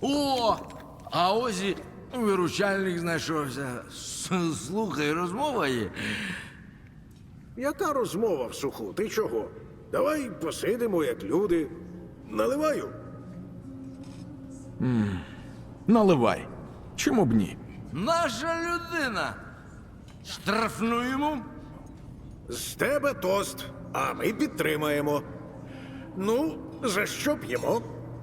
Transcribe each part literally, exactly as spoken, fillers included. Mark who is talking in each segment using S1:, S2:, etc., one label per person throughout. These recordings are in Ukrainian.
S1: О! А ось і виручальник знайшовся. С- Слухай, розмова є.
S2: Яка розмова в суху? Ти чого? Давай посидимо, як люди. Наливаю.
S3: Наливай. Чому б ні?
S1: Наша людина. Штрафнуємо.
S2: З тебе тост, а ми підтримаємо. Ну, за що п'ємо?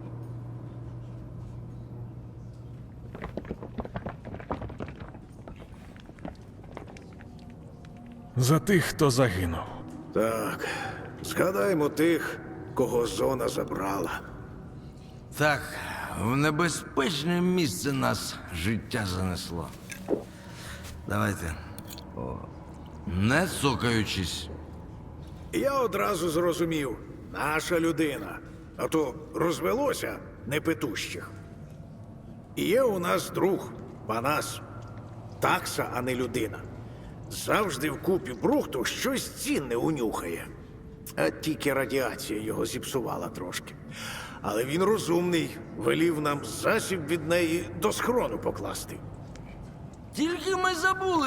S3: За тих, хто загинув.
S2: Так, згадаймо тих, кого зона забрала.
S1: Так, в небезпечне місце нас життя занесло. Давайте. О. Не цокаючись.
S2: Я одразу зрозумів, наша людина. А то розвелося непетущих. І є у нас друг, Панас. Такса, а не людина. Завжди в купі брухту щось цінне унюхає. А тільки радіація його зіпсувала трошки. Але він розумний, велів нам засіб від неї до схрону покласти.
S1: Тільки ми забули,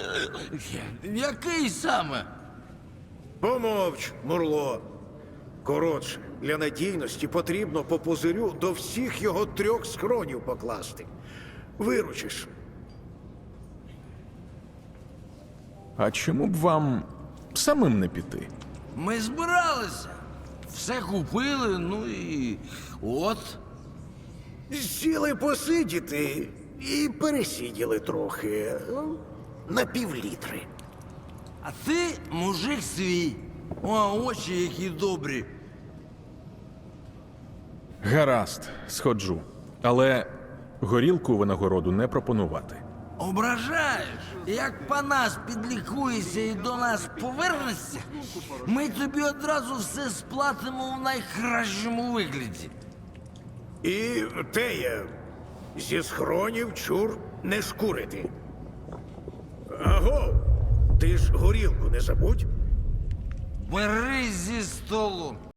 S1: який саме.
S2: Помовч, Мурло. Коротше, для надійності потрібно по пузирю до всіх його трьох схронів покласти. Виручиш.
S3: А чому б вам самим не піти?
S1: Ми збиралися. Все купили, ну і от.
S2: Сіли посидіти і пересиділи трохи. Ну, на півлітри.
S1: А ти мужик свій. О, очі які добрі.
S3: Гаразд, сходжу. Але горілку винагороду не пропонувати.
S1: Ображаєш? Як Панас підлікується і до нас повернешся, ми тобі одразу все сплатимо в найкращому вигляді.
S2: І теє, зі схронів чур не шкурити. Аго, ти ж горілку не забудь.
S1: Бери зі столу.